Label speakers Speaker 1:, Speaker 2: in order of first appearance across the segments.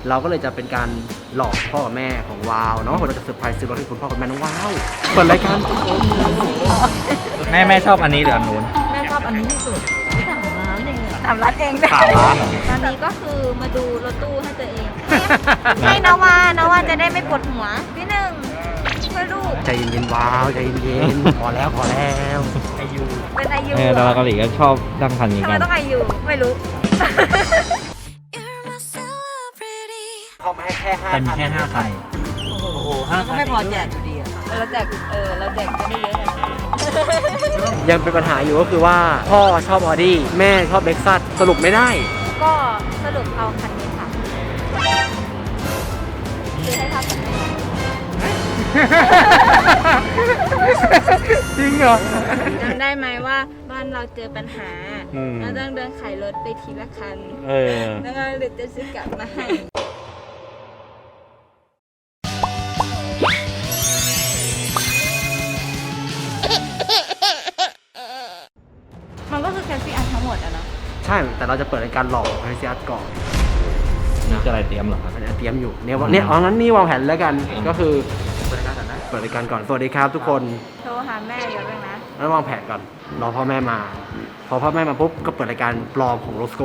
Speaker 1: เราก็เลยจะเป็นการหลอกพ่อกับแม่ของวาวเนาะเราจะเซอร์ไพรส์ซื้อรถให้คุณพ่อกับแม่น้องวาวเปิดรายการ
Speaker 2: แม่ชอบอันนี้หรืออันนู้น
Speaker 3: แม่ชอบอันนี้ที่สุด3 ล้านเอง
Speaker 2: 3 ล้านเอง
Speaker 3: 3 ล้านตอนนี้ก็คือมาดูรถตู้ให้ตัวเองให้นาวาจะได้ไม่ปวดหัวพี่หนึ่งช่วยลูก
Speaker 1: ใจเย็นๆวาวใจเย็นๆพอแล้ว
Speaker 2: อายุ
Speaker 3: เป็นอายุ
Speaker 2: ดาราเกาหลีก็ชอบดังคันนี้
Speaker 3: ทำ
Speaker 2: กั
Speaker 3: ไม
Speaker 2: น
Speaker 3: ต้องอายุไม่รู้
Speaker 1: เขามาให้แค่5
Speaker 2: เป็นแค่5 คันโอ้โห5 คัน
Speaker 3: ไม่พอแจกอยู่ดีเราแจกเราแจกก็ได้เยอะ
Speaker 1: ยังเป็นปัญหาอยู่ก็คือว่าพ่อชอบออดี้แม่ชอบเล็กซัสสรุปไม่ได้
Speaker 3: ก็สรุปเอาคันนี้ค่ะซื้อให้พ่อกับแม่
Speaker 1: จริงเหรอ
Speaker 3: จำได้ไหมว่าบ้านเราเจอปัญหาเราต้องเดินขายรถไปทีละคันแล้วก็เลยจะซื้อกลับมาให้มันก็คือแคสซี่อันทั้งหมดอะเนาะ
Speaker 1: ใช่แต่เราจะเปิดรายการหลอกแคสซี่อันก่อน
Speaker 2: นี่จะอะไรเตรียมเหรอครับ
Speaker 1: เตรียมอยู่เนี่ยงั้นนี่วางแผนแล้วกันก็คือเปิดรายการก่อนนะเปิดรายการก่อนสวัสดีครับทุกคน
Speaker 3: โทรหาแม่เยอะเลยนะ
Speaker 1: แล้ววางแผนก่อนรอพ่อแม่มาพอพ่อแม่มาปุ๊บก็เปิดรายการปลอมของโรสโก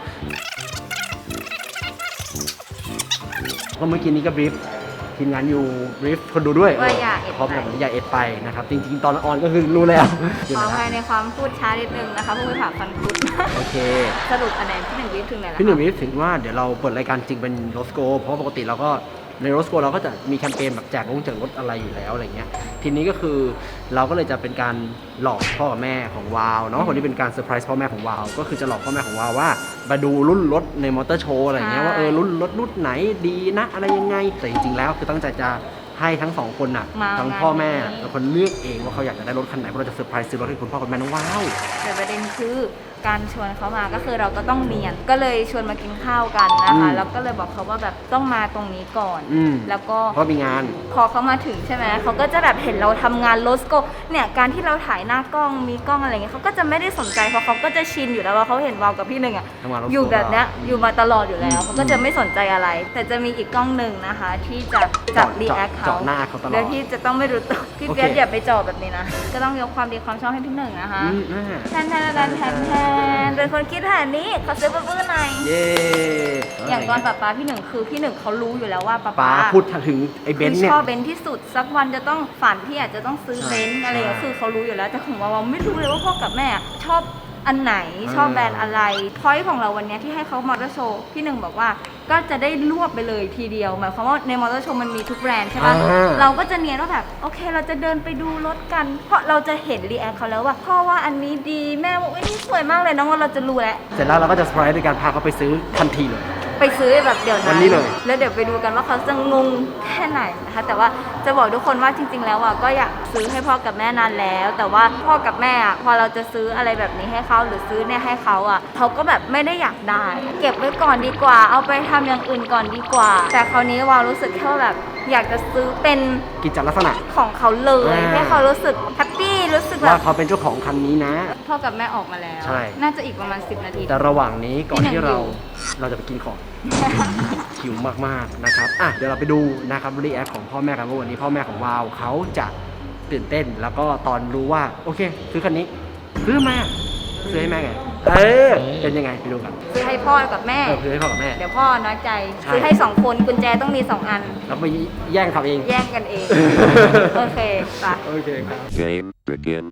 Speaker 1: ก็เมื่อกี้นี้ก็บรีฟทีมงานอยู่บรีฟคนดูด้วย
Speaker 3: ว่าอย่าเอ็ด
Speaker 1: พร้อมกับอย่าเอ็ดไปนะครับจริงๆตอนออนก็คือรู้แล้ว
Speaker 3: ขออภัยในความพูดช้านิดนึงนะคะผู้บริหารฟันคุด
Speaker 1: โอเค
Speaker 3: สรุปคะแนนพี่หนึ่งบรีฟถึงไหนแล้ว
Speaker 1: พี่หนึ่งบรีฟถึงว่าเดี๋ยวเราเปิดรายการจริงเป็นโรสโกเพราะปกติเราก็ในโรสโกเราก็จะมีแคมเปญแบบแจกรถอะไรอยู่แล้วอะไรเงี้ยทีนี้ก็คือเราก็เลยจะเป็นการหลอกพ่อกับแม่ของวาวเนาะคนที่เป็นการเซอร์ไพรส์พ่อแม่ของวาวก็คือจะหลอกพ่อแม่ของวาวว่ามาดูรุ่นรถในมอเตอร์โชว์อะไรเงี้ยว่ารุ่นรถรุ่นไหนดีนะอะไรยังไงแต่จริงๆแล้วคือตั้งใจจะให้ทั้ง2 คนน่ะทั้งพ่อแม่เป็นคนเลือกเองว่าเขาอยากจะได้รถคันไหนเพราะเราจะเซอร์ไพรส์ซื้อรถให้คุณพ่อกับแม่น้องวาว
Speaker 3: แต่ประเด็นคือการชวนเขามาก็คือเราก็ต้องเรียนก็เลยชวนมากินข้าวกันนะคะแล้วก็เลยบอกเขาว่าแบบต้องมาตรงนี้ก่อนแล้วก็
Speaker 1: เพราะมีงาน
Speaker 3: พอเขามาถึงใช่ไหมเขาก็จะแบบเห็นเราทำงานโลสโกเนี่ยการที่เราถ่ายหน้ากล้องมีกล้องอะไรเงี้ยเขาก็จะไม่ได้สนใจเพราะเขาก็จะชินอยู่แล้วว่าเขาเห็นวาวกับพี่หนึ่งอ่ะอยู่แบบเนี้ยอยู่มาตลอดอยู่แล้วเขาก็จะไม่สนใจอะไรแต่จะมีอีกกล้องหนึ่งนะคะที่จะจับรีแอคเขาโดยที่จะต้องไม่รู้ตัวพี่เปียกอย่าไปจ่อแบบนี้นะก็ต้องยกความดีความชอบให้พี่หนึ่งนะคะแทนเป็นคนคิดหานี้เขาซื้อปื้นหน่อย
Speaker 1: เย้
Speaker 3: อย่างตอนป๊าพี่หนึ่งคือพี่หนึ่งเขารู้อยู่แล้วว่า
Speaker 1: ป๊าพูดถึงไอ้เบนซ์เนี่ย
Speaker 3: ชอบเบนซ์ที่สุดสักวันจะต้องฝันที่อาจจะต้องซื้อเบนซ์อะไรก็คือเขารู้อยู่แล้วแต่ของเราไม่รู้เลยว่าพ่อกับแม่ชอบอันไหนชอบแบรนด์อะไรพอยต์ของเราวันนี้ที่ให้เขามอเตอร์โชว์พี่หนึ่งบอกว่าก็จะได้รวบไปเลยทีเดียวหมายความว่าในมอเตอร์โชว์มันมีทุกแบรนด์ใช่ปะเราก็จะเนียนว่าแบบโอเคเราจะเดินไปดูรถกันเพราะเราจะเห็นรีแอคเขาแล้วว่าพ่อว่าอันนี้ดีแม่บอกว่านี่สวยมากเลยน้องว่าเราจะรู้แล้ว
Speaker 1: เสร็จแล้วเราก็จะเซอร์ไพรส์ด้วยการพาเขาไปซื้อทันทีเลย
Speaker 3: ไปซื้อแบบเดี๋ยวนั้น
Speaker 1: วันนี้เลย
Speaker 3: แล้วเดี๋ยวไปดูกันว่าเขาจะงงแค่ไหนนะคะแต่ว่าจะบอกทุกคนว่าจริงๆแล้วอ่ะก็อยากซื้อให้พ่อกับแม่นานแล้วแต่ว่าพ่อกับแม่อ่ะพอเราจะซื้ออะไรแบบนี้ให้เขาหรือซื้อเนี่ยให้เขาอ่ะเขาก็แบบไม่ได้อยากได้เก็บไว้ก่อนดีกว่าเอาไปทำอย่างอื่นก่อนดีกว่าแต่คราวนี้วาวรู้สึกแค่แบบอยากจะซื้อเป็น
Speaker 1: กิจลักษณะ
Speaker 3: ของเขาเลยให้เขารู้สึกแฮปปี้รู้สึกแบบ
Speaker 1: ว่าเขาเป็นเจ้าของคันนี้นะ
Speaker 3: พ่อกับแม่ออกมาแล้วน่าจะอีกประมาณ10 นาที
Speaker 1: แต่ระหว่างนี้ก่อนที่เราจะไปกินของหิวมากๆนะครับเดี๋ยวเราไปดูนะครับรีแอคของพ่อแม่กันว่าวันนี้พ่อแม่ของวาวเขาจะตื่นเต้นแล้วก็ตอนรู้ว่าโอเคซื้อคันนี้ซื้อให้แม่ไงเป็นยังไงไปดูกัน
Speaker 3: ซื้อให้พ่อกับแม่
Speaker 1: ซื้อให้พ่อกับแม่
Speaker 3: เดี๋ยวพ่อน้อยใจซื้อให้2 คนกุญแจต้องมี2 อัน
Speaker 1: แล้วไปแย่งทำเอง
Speaker 3: แย่งกันเองโอเคป่ะ
Speaker 1: โอเคครับ
Speaker 4: Game begin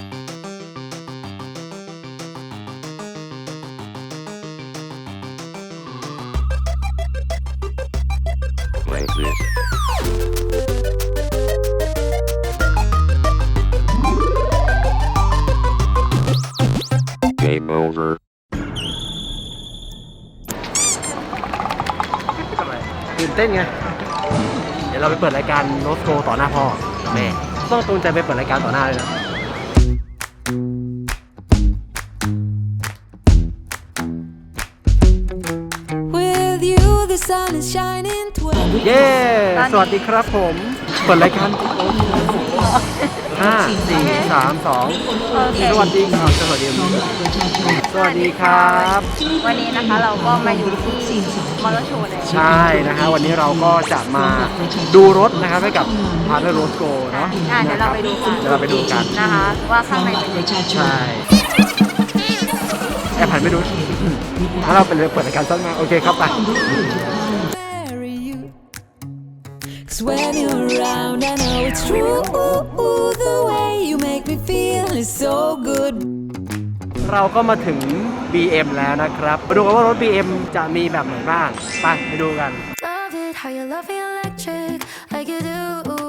Speaker 4: like this Game over
Speaker 1: ตื่นเต้นไงเดี๋ยวเราไปเปิดรายการโรสโกต่อหน้าพ่อแม่ต้องตูนใจไปเปิดรายการต่อหน้าเลยนะเย้สวัสดีครับผมเปิดรายการ 5 4 3 2
Speaker 3: โอเค
Speaker 1: สวัสดีครับสวัสดีสวัสดีครับ
Speaker 3: วันนี้นะคะเราก็มาอยู่ที่มอเตอร์โชว์เลย
Speaker 1: ใช่นะฮะวันนี้เราก็จะมาดูรถนะครับให้กับพาร์ทเนอร์โรสโกเนาะ
Speaker 3: เดี๋ยวเราไปดูกัน
Speaker 1: เดี๋ยวเราไปดูกัน
Speaker 3: นะคะว่าข้างในเป็นยังไง
Speaker 1: ใช่แอบผ่านไปดูแล้วเราไปเลยเปิดรายการต้นมาโอเคครับไป
Speaker 5: marry you. 'Cause when you're around, I know it's true. The way you make me feel is so good.
Speaker 1: เราก็มาถึง BM แล้วนะครับมาดูกันว่ารถ BM จะมีแบบไหนบ้างไปดูกัน
Speaker 5: Love it how you love me electric, like you do.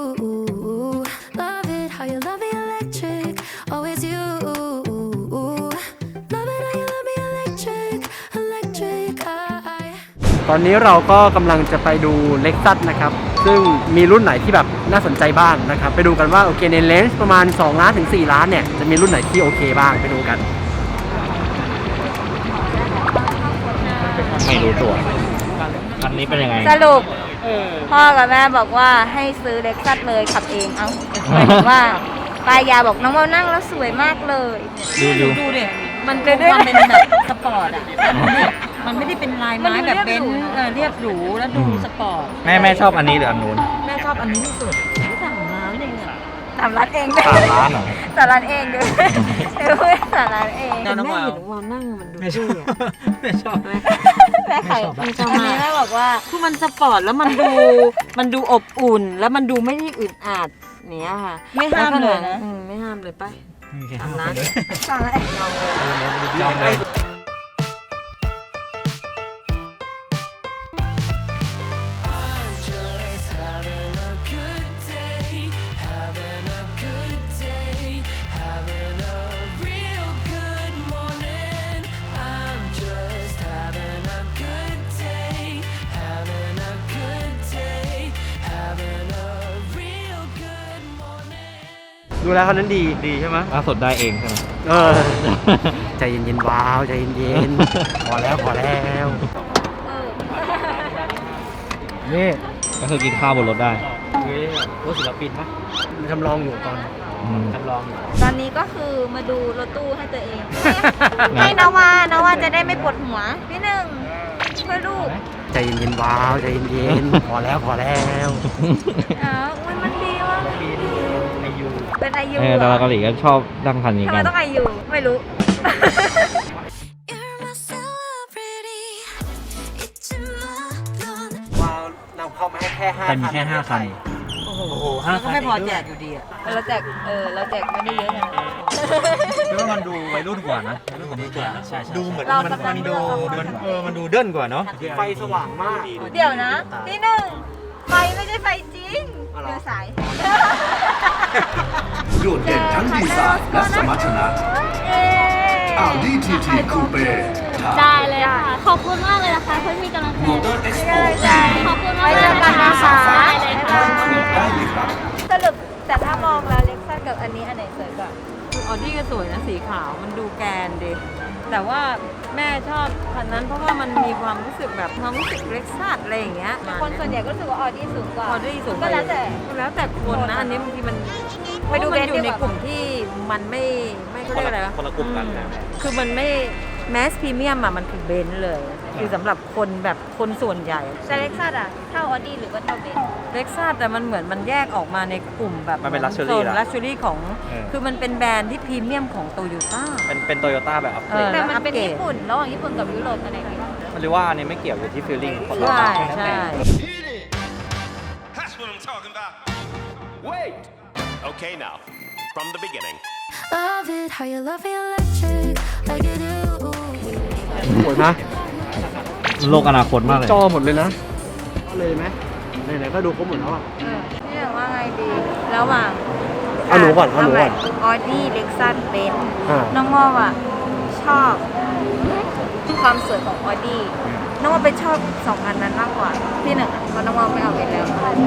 Speaker 5: Love it how you love me electric, always you. Love it how you love me electric, electric.
Speaker 1: ตอนนี้เราก็กำลังจะไปดู Lexus นะครับซึ่งมีรุ่นไหนที่แบบน่าสนใจบ้างนะครับไปดูกันว่าโอเคในเลนส์ประมาณ2ล้านถึง4ล้านเนี่ยจะมีรุ่นไหนที่โอเคบ้างไปดูกัน
Speaker 2: ไม่รู้ตัวคันนี้เป็นยังไง
Speaker 3: สรุปพ่อกับแม่บอกว่าให้ซื้อเล็กซัสเลยขับเองเอาหมายถึงว่าปายาบอกน้องเมานั่งแล้วสวยมากเลย
Speaker 2: ดู
Speaker 6: ดูดิมันเป็นความเป็นแบบสปอร์ตอ่ะมันไม่ได้เป็นลายไม้แบบเบนซ์เรียบหรูแล้วดูสปอร์ต
Speaker 2: แม่ชอบอันนี้หรืออันนู้น
Speaker 6: แม่ชอบอันนี้ที่สุดสั่งร้านเองอ่ะ
Speaker 3: สามร้านเองด้วย
Speaker 2: 3 ล้านเหรอ
Speaker 3: สามร้านเองด้วยสามร้านเอง
Speaker 6: แต่แม่เห็นวาวนั่งมันดูเท่อะ
Speaker 2: ไม่ชอบ
Speaker 3: แม่ไข่
Speaker 6: ไม่ชอบ
Speaker 3: อัน
Speaker 6: มาก
Speaker 3: นี้แม่บอกว่า
Speaker 6: คือมันสปอร์ตแล้วมันดูอบอุ่น แล้วมันดูไม่ได้อึดอัดเนี้ยค่ะ
Speaker 3: ไม่ห้ามเลยนะ
Speaker 6: ไม่ห้ามเลยไปทำนะ
Speaker 3: สามร้านเอง
Speaker 2: ยอมเลย
Speaker 1: ดูแล้วคันนั้นดี
Speaker 2: ดีใช่ไหมล่าสุดได้เองใช่ไหม
Speaker 1: เออ ใจเย็นๆว้าวใจเย็นๆพอแล้วนี่
Speaker 2: ก็คือกินข้าวบนรถได้
Speaker 1: รถศิลปินปะมันจำลองอยู่ตอนจำลองอยู่
Speaker 3: ตอนนี้ก็คือมาดูรถตู้ให้ตัวเองให้นาวาจะได้ไม่ปวดหัวพี่หนึ่งเพื่อลูก
Speaker 1: ใจเย็นๆว้าวใจเย็นๆพอแล้ว
Speaker 3: อ้าวมันดีว่ะเป็นอายุ
Speaker 2: ดาราเกาหลีก็ชอบดังคันนี้
Speaker 3: ทำไม
Speaker 2: กัน
Speaker 3: ต้องอายุไม่รู้
Speaker 5: You're my celebrity. It's in my blood.
Speaker 1: ว้าวนำเข้ามาให้แค่5
Speaker 2: แต่มีแค่5 คัน
Speaker 6: โอ้โหแล้วก็ไม่พอแจกอยู่ดีอ่ะ
Speaker 3: เราแจกไม่ได้เยอะนะ
Speaker 2: คือว่ามันดูวัยรุ่นกว่านะวัยรุ่นกว่านี้กว่าใช่ดูเหมือน
Speaker 3: เรากำลังดู
Speaker 2: มันดูเด่นกว่าเนาะ
Speaker 1: ไฟสว่างมาก
Speaker 3: เดี๋ยวนะพี่หนึ่งไฟไม่ใช่ไฟจริงเดี๋ยวสาย
Speaker 7: โดดเด่นทั้งดีไซน์และสมรรถนะ Audi TT Coupe
Speaker 8: ได้เลยค่ะ ขอบคุณมากเลยนะคะเพื่อนมีกำลังใจ
Speaker 7: Motor Expo
Speaker 8: ขอบคุณมาก
Speaker 3: ไว้เจอกันนะคะ
Speaker 8: ได้เลยค่ะ
Speaker 7: ได้เลยครับ
Speaker 3: สรุปแต่ถ้ามองแล้วเล็กซัสกับอันนี้อันไหนสวยกว่า
Speaker 6: ออดี้ก็สวยนะสีขาวมันดูแกนดีแต่ว่าแม่ชอบคันนั้นเพราะว่ามันมีความรู้สึกแบบความรู้สึกเล็กซัสอะไรอย่างเงี้ย
Speaker 3: คนส่วนใหญ่ก็รู้สึกว่าออดี้สูงกว่า
Speaker 6: ออดี้สูง
Speaker 3: ก็แล้วแต่
Speaker 6: แล้วแต่คนนะอันนี้บางทีมัน
Speaker 3: ไปดู
Speaker 6: มันอ
Speaker 3: เบนซ์
Speaker 6: ยู่
Speaker 3: ดี
Speaker 6: ใน
Speaker 3: กว่า
Speaker 6: กลุ่มที่มันไม่เขาเรียกอะไรวะ
Speaker 2: คนละกลุ่มกัน
Speaker 6: คือมันไม่แมสพรีเมียมอะมันคือเบนซ์เลย คือสำหรับคนแบบคนส่วนใหญ่
Speaker 3: แต่เล็กซัสอะเท่าออดี้หรือว่าเท่าเบนซ์
Speaker 6: เล็กซัสแต่มันเหมือนมันแยกออกมาในกลุ่มแบบ
Speaker 2: มันเป็น luxury
Speaker 6: โซน
Speaker 2: ละ
Speaker 6: ลักชัวรี่ของ
Speaker 2: เออ
Speaker 6: คือมันเป็นแบรนด์ที่พรีเมียมของโตโยต้า
Speaker 2: เป็นโตโยต้าแบบอัพเกรด
Speaker 3: แต่มันเป็นญี่ปุ่นระหว่างญี่ปุ่นกับยุโรปอันไหนดี
Speaker 2: มันเรียกว่าอันนี้ไม่เกี่ยวอยู่ที่ฟีลลิ่งคน
Speaker 6: ใช่
Speaker 2: ละ
Speaker 6: ใช่
Speaker 9: That's what I'm talking about. Wait. Okay, now, from the beginning.
Speaker 5: Love it how you love me electric, like you do.
Speaker 1: สวยนะ
Speaker 2: โลกอนาคตมากเลย
Speaker 1: จอหมดเลยนะเลยไหมไหนๆก็ดูครบหมดแล้วอ่ะ
Speaker 3: นี่อย่างว่าไงดีระหว่าง
Speaker 1: เอาหนูก่อนเอาหนูก่อน
Speaker 3: ออดี้เล็กซัสเบนซ์
Speaker 1: อ่า
Speaker 3: น้องมออ่ะชอบความสวยของออดี้น้องมอไปชอบ2อันนั้นมากกว่าที่หนึ่งอะเพราะน้องมอไม่เอาไปแล้ว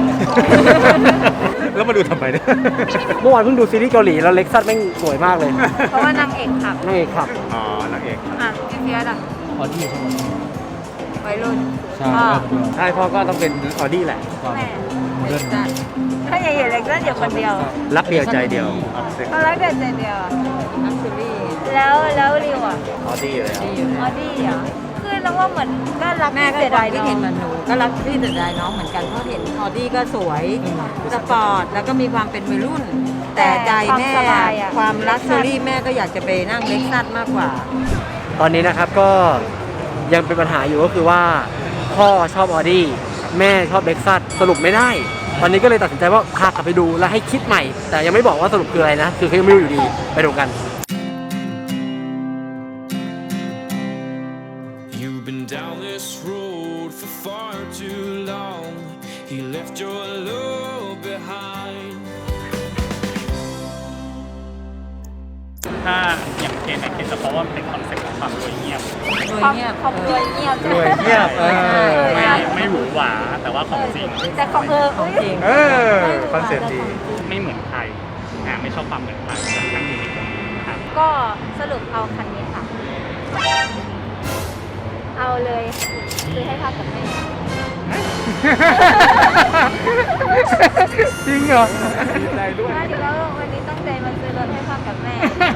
Speaker 2: แล้วมาดูทำไมเนี่ย
Speaker 1: เมื่อวานเพิ่งดูซีรีส์เกาหลีแล้วเล็กซัสแม่งสวยมากเลย
Speaker 3: เพราะว่านางเอกขับ
Speaker 1: นางเอกขับ
Speaker 2: อ๋อนางเอก
Speaker 3: อ่ะพี่เฟียสอ่ะ
Speaker 2: ออดี้ใช่ไหม
Speaker 3: ออวัยรุ่น
Speaker 2: ใช่
Speaker 3: พ่อ
Speaker 1: ใช่พ่อก็ต้องเป็นออดี้แหละ
Speaker 3: แม่
Speaker 2: โมเดิร์น
Speaker 3: ถ้าอย่าเห็นเล็กนั่นอยู่คนเดียว
Speaker 1: รักเดียวใจเดียว
Speaker 3: เขารักเด็ดใจเดียว
Speaker 6: นักซูรี่
Speaker 3: แล้วริวอ่ะ
Speaker 1: ออดี้เลย
Speaker 6: ดีอยู่
Speaker 3: ออดี้เหรอคือเราว่าเหมือนก็รัก
Speaker 6: แม่ก็
Speaker 3: เสีย
Speaker 6: ค
Speaker 3: ดายว
Speaker 6: ามคิดเห็นเหมือนหนูก็รักที่เสียดายน้องเหมือนกันเพราะเห็นออดี้ก็สวยสปอร์ตแล้วก็มีความเป็นวัยรุ่น แต่ใจแม่ความรักซูรี่แม่ก็อยากจะไปนั่งเล็กซัสมากกว่า
Speaker 1: ตอนนี้นะครับก็ยังเป็นปัญหาอยู่ก็คือว่าพ่อชอบออดี้แม่ชอบเล็กซัสสรุปไม่ได้ ตอนนี้ก็เลยตัดสินใจว่าพากลับไปดูแล้วให้คิดใหม่ แต่ยังไม่บอกว่าสรุปคืออะไรนะ คือเขายังไม่รู้อยู่ดีไปดูกัน
Speaker 10: You've been down this road for far too long. He left your love behind.
Speaker 2: ถ้าอย่างเคนจะเพราะว่ามันเป็นคอนเซ็ปต์ของความรวยเงียบ
Speaker 6: โดยเงียบ
Speaker 3: ของรวยเงียบ
Speaker 1: รวยเงียบ
Speaker 2: ไม่หวือหวาแต่ว่าของจริง
Speaker 3: แต่ของ
Speaker 6: ของจริง
Speaker 1: คอนเซ็ปต์ดี
Speaker 2: ไม่เหมือนใครไม่ชอบความเหมือนใครทั้งยูนิคนะครับ
Speaker 3: ก็สรุปเอาคันนี้ค่ะ เอาเลยซื้อให้พ่อกับแม่
Speaker 1: จริงเหรอ
Speaker 3: ว่าดีแล้ววันนี้ตั้งใจมาซื้อรถให้พ่อกับแม่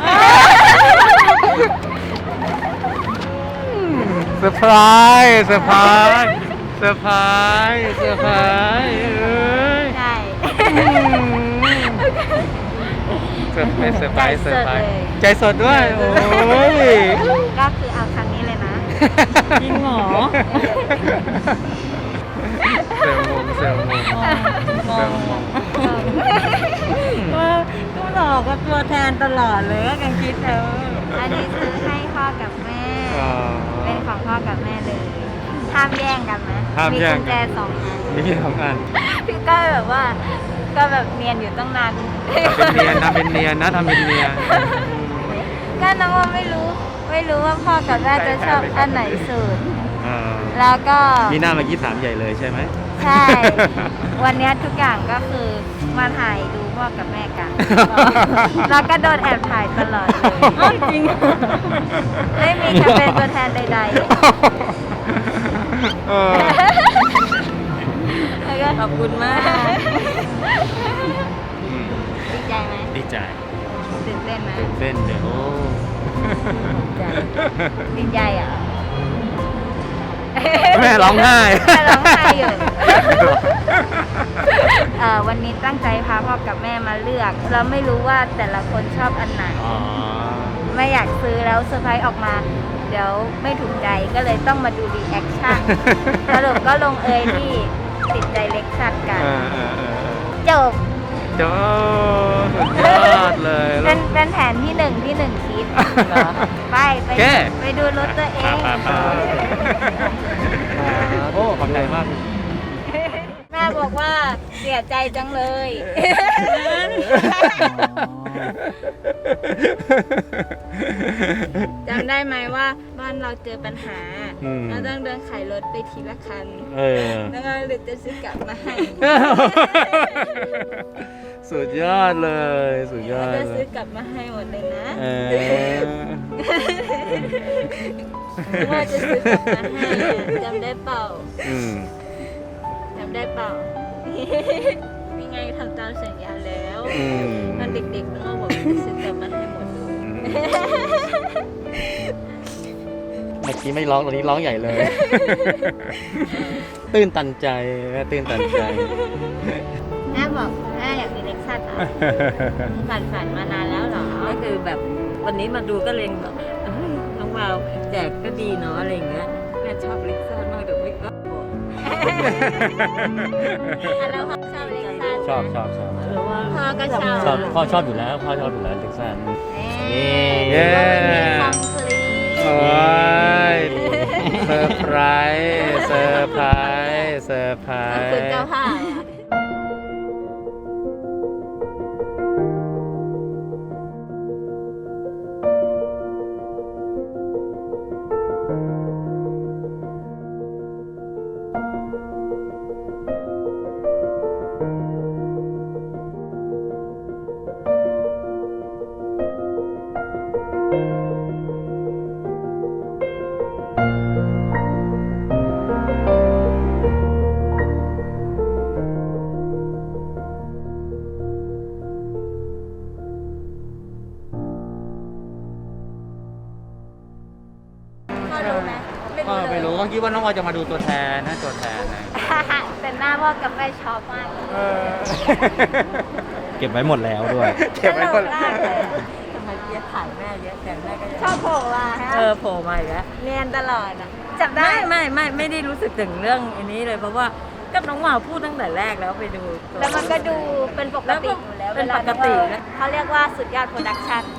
Speaker 1: เซอร์ไพรส์เซอร์ไพรส์เซอร์ไพรส์เซอร์ไพรส์เอ้ย
Speaker 3: ใช่
Speaker 1: เซอร์ไพรส์เซอร์ไพรส์เซอร์ไพรส์
Speaker 3: ใจ
Speaker 1: ใจสดด้วย โอ้ย
Speaker 3: ก็คือเอาคันนี้เลยนะ
Speaker 6: จริงเหรอ
Speaker 1: เซลมงเซลมง
Speaker 6: มองก็หลอกกับตัวแทนตลอดเลยก็ยังคิดเลย
Speaker 3: อันนี้ซื้อให้พ่อกับแม่ เป็นของพ่อกับแม่เลย ห้ามแย่งกันนะ
Speaker 1: ห้าม
Speaker 3: มี
Speaker 1: แย่ง
Speaker 3: กุญแจ2 อัน
Speaker 1: มีพี่ทำงาน
Speaker 3: พี่ก็แบบว่า ก็แบบเนียนอยู่ตั้งนาน
Speaker 1: ทำเป็นเนียนนะทำเป็นเนียน
Speaker 3: ก็น้องว่าไม่รู้ว่าพ่อกับแม่จะชอบอันไหนสุด แล้วก็
Speaker 1: มีหน้ามากี้ถามใหญ่เลยใช่ไหม
Speaker 3: ใช่ วันนี้ทุกอย่างก็คือมาถ่ายดูพ่อกับแม่กัน แล้วก็โดนแอบถ่ายตลอดเลยจริง ไม่มีแคมเปญตัวแทนใดๆ แล้วก็
Speaker 6: ขอบคุณมาก
Speaker 3: ดีใจไหม
Speaker 1: ดีใจ
Speaker 3: ตื่นเต้นไหม
Speaker 1: ตื่นเต้นเดี๋ยว
Speaker 3: ดีใจอ่ะ
Speaker 1: แม่ร้องไห้
Speaker 3: แม่ร้องไห้อยู่ วันนี้ตั้งใจพาพ่อกับแม่มาเลือก เราไม่รู้ว่าแต่ละคนชอบอันไหน ไม่อยากซื้อแล้วเซอร์ไพรส์ออกมา เดี๋ยวไม่ถูกใจก็เลยต้องมาดูรีแอคชั่น สรุปก็ลงเอยที่ติดใจเล็กซัสกัน จบ
Speaker 1: จบสุดยอดเลย
Speaker 3: เป็นแผนที่หนึ่งคิด ไป
Speaker 1: โอเค
Speaker 3: ไปดูรถตัวเอง
Speaker 1: โอ้ขอบใจมาก
Speaker 3: แม่บอกว่าเสียใจจังเลย จำได้ไหมว่าบ้านเราเจอปัญหา เราต้องเดินขายรถไปทีละคัน แล้วก็เลยจะซื้อกลับมาให้
Speaker 1: สุดยอดเลย สุดยอด
Speaker 3: จะ
Speaker 1: เล
Speaker 3: ซื้อย กลับมาให้หมดเลยนะ ว่าจะซื้อกลับมาให้จำได้เปล่า จำได้เปล่า มีไงทำตามสัญญาแล้วตอนเด็กๆน้องบอกจะซื้อกลับมาให้หมดเลย
Speaker 1: เมื่อกี้ไม่ร้องตอนนี้ร้องใหญ่เลย ตื้นตันใจแม่ตื้นตันใจ
Speaker 3: แม่บอกแม่อยากมีเล็กซัสอ่ะฝันมานานแล้วเหรอ
Speaker 6: ก็คือแบบวันนี้มาดูก็เลยแบบน้องวาวแจกก็ดีเนาะอะไรอย่างเงี้ยแม่ชอบเล็กซัสมากแต่ไม่ก็บอก
Speaker 3: แล้วพ่อชอบเล็กซัส
Speaker 1: ชอบ
Speaker 6: หรือว่า
Speaker 3: พ่อก็ชอบ
Speaker 1: พ่อชอบอยู่แล้วพ่อชอบอยู่แล้วเล็กซัส
Speaker 3: เย้วันนี้คอมพลีท
Speaker 1: โอ้ยเซอร์ไพรส์เซอร์ไพรส์เซอร์ไพร
Speaker 3: ขอบ
Speaker 1: ส์
Speaker 3: คุณเจ้าค่ะ
Speaker 6: ก็คิดว่าน้องวาวจะมาดูตัวแทนนะตัวแทนนะ
Speaker 3: แต่หน้าพ่อกับแม่ชอบมาก
Speaker 11: เก็บไว้หมดแล้วด้วย
Speaker 1: เก็บไว้คน
Speaker 3: ตลกมากเลย
Speaker 6: ทำไมเพี้ยถ่ายแม่เยอะแต่แม่ก็
Speaker 3: ชอบโผล่มาฮะ
Speaker 6: โผล่มาอีกแล้ว
Speaker 3: เนียนตลอดอ่ะจับได้
Speaker 6: ไม่ได้รู้สึกถึงเรื่องอันนี้เลยเพราะว่ากับน้องวาวพูดตั้งแต่แรกแล้วไปดูตัว
Speaker 3: แล้วมันก็ดูเป็นปกติอยู่แล้ว
Speaker 6: เป็นปกตินะ
Speaker 3: เขาเรียกว่าสุดยอดโปรดักชั่น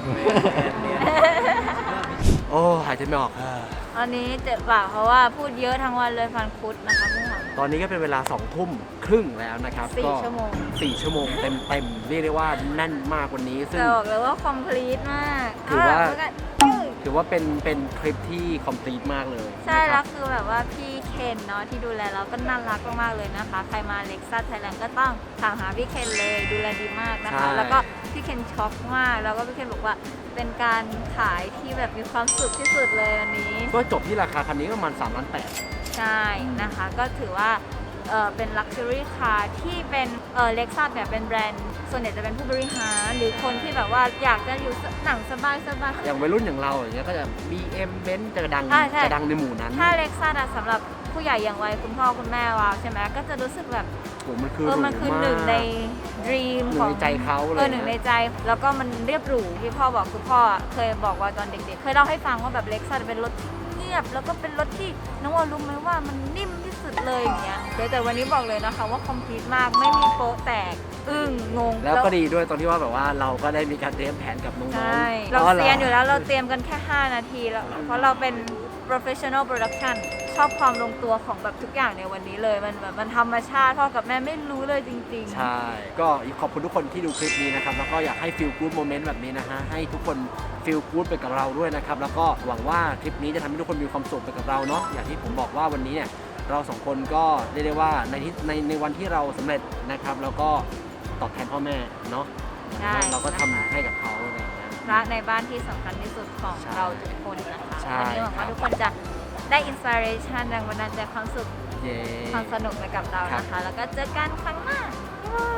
Speaker 1: โอ้หายใจไม่ออก
Speaker 3: อันนี้เจ็บปากเพราะว่าพูดเยอะทั้งวันเลยฟันคุดนะคะพี่หอม
Speaker 1: ตอนนี้ก็เป็นเวลา2 ทุ่มครึ่งแล้วนะครับ
Speaker 3: 4
Speaker 1: ก็
Speaker 3: ชั่วโมง
Speaker 1: 4 ชั่วโมงเต็มๆเรียกได้ว่าแน่นมากวันนี้ซึ่ง
Speaker 3: จะบอกเลยว่าคอมพลีทมาก
Speaker 1: ถือว่า
Speaker 3: แล้วก็
Speaker 1: ถือว่าเป็นคลิปที่คอมพลีทมากเลย
Speaker 3: ใช่
Speaker 1: นะค
Speaker 3: แล้
Speaker 1: รั
Speaker 3: ว
Speaker 1: บ
Speaker 3: คือแบบว่าพี่เคนเนาะที่ดูแลเราก็น่ารักมากๆเลยนะคะ ใครมาเล็กซัสไทยแลนด์ก็ต้องถามหาพี่เคนเลยดูแลดีมากนะคะ แล้วก็พี่เคนช็อกมากแล้วก็พี่เคนบอกว่าเป็นการขายที่แบบมีความสุขที่สุดเลยวันนี้
Speaker 1: ก็จบที่ราคาคันนี้ก็ประมาณ3 ล้าน
Speaker 3: ใช่นะคะ ก็ถือว่าเป็น Luxury Car ที่เป็นเล็กซัสเนี่ยเป็นแบรนด์ส่วนใหญ่จะเป็นผู้บริหารหรือคนที่แบบว่าอยากจะอยู่หนังสบายๆ
Speaker 1: อย่างวัยรุ่นอย่างเราอย่างเงี้ยก็จะ BM Benz จะดัง
Speaker 3: ใช่ใช่
Speaker 1: จะดังในหมู่นั้น
Speaker 3: ถ้าเล็กซัสอะสำหรับผู้ใหญ่อย่างวัยคุณพ่อคุณแม่วาวใช่ไหมก็จะรู้สึกแบบ
Speaker 1: โอ้มันคือ
Speaker 3: มันคือ
Speaker 1: รูมาก
Speaker 3: หนึ่งใน dream
Speaker 1: หนึ่ง
Speaker 3: ของ
Speaker 1: ในใจเขาเลย
Speaker 3: หนึ่งในใจ แล้วก็มันเรียบหรูที่พ่อบอกคือพ่อเคยบอกว่าตอนเด็กๆ เคยเล่าให้ฟังว่าแบบเล็กซัสเป็นรถที่เงียบ แล้วก็เป็นรถที่น้องวาวรู้ไหมว่ามันนิ่มที่สุดเลยอย่างเงี้ยแต่วันนี้บอกเลยนะคะว่าคอมพลีทมากไม่มีโป๊ะแตกอึ้งงง
Speaker 1: แล้วก็ดีด้วยตอนที่ว่าแบบว่าเราก็ได้มีการเตรียมแผนกับน้องๆ
Speaker 3: ใช่เราเซียนอยู่แล้วเราเตรียมกันแค่ 5 นาทีแล้วเพราะเราเป็น professional production ชอบความลงตัวของแบบทุกอย่างในวันนี้เลยมันแบบมันธรรมชาติพ่อกับแม่ไม่รู้เลยจริงๆ
Speaker 1: ใช่ ก็ขอบคุณทุกคนที่ดูคลิปนี้นะครับ แล้วก็อยากให้ feel good moment แบบนี้นะฮะ ให้ทุกคน feel good ไปกับเราด้วยนะครับ แล้วก็หวังว่าคลิปนี้จะทำให้ทุกคนมีความสุขไปกับเราเนาะ อย่างที่ผมบอกว่าวันนี้เนี่ยเราสองคนก็เรียกได้ว่าในวันที่เราสำเร็จนะครับ แล้วก็ตอบแทนพ่อแม่เนาะ
Speaker 3: ใช่
Speaker 1: เราก็ทำให้กับเขาอะไรอย่างเงี้ย
Speaker 3: พระในบ้านที่สำคัญที่สุดของ
Speaker 1: ใช่
Speaker 3: เราทุกคนนะคะ
Speaker 1: ใช่
Speaker 3: วันนี้หวังว่าทุกคนจะได้อินสปิเรชันแรงบันดาลใจความสุข
Speaker 1: เย้
Speaker 3: ความสนุกไปกับเรานะคะ แล้วก็เจอกันครั้งหน้าบ๊ายบาย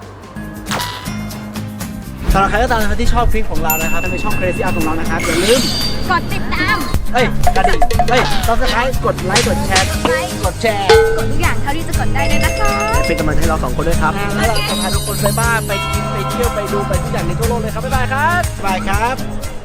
Speaker 1: สำหรับใครก็ตามนะครับที่ชอบคลิปของเรานะครับในช่อง Crazy Art ของเรานะครับอย่าลืม
Speaker 3: กดติดตาม
Speaker 1: กระดิ่งSubscribe กดไลค์กดแชร์กดแชร์
Speaker 3: กดทุกอย่างเท่าที่จะกดได้เลยนะคะ
Speaker 1: เป็นกำลังใจให้เราสองคนด้วยครับ แล้วเราจะพาทุกคนไปบ้านไปกินไปเที่ยวไปดูไปทุกอย่างในทั่วโลกเลยครับ บ๊ายบายครับ บ๊ายบายครับ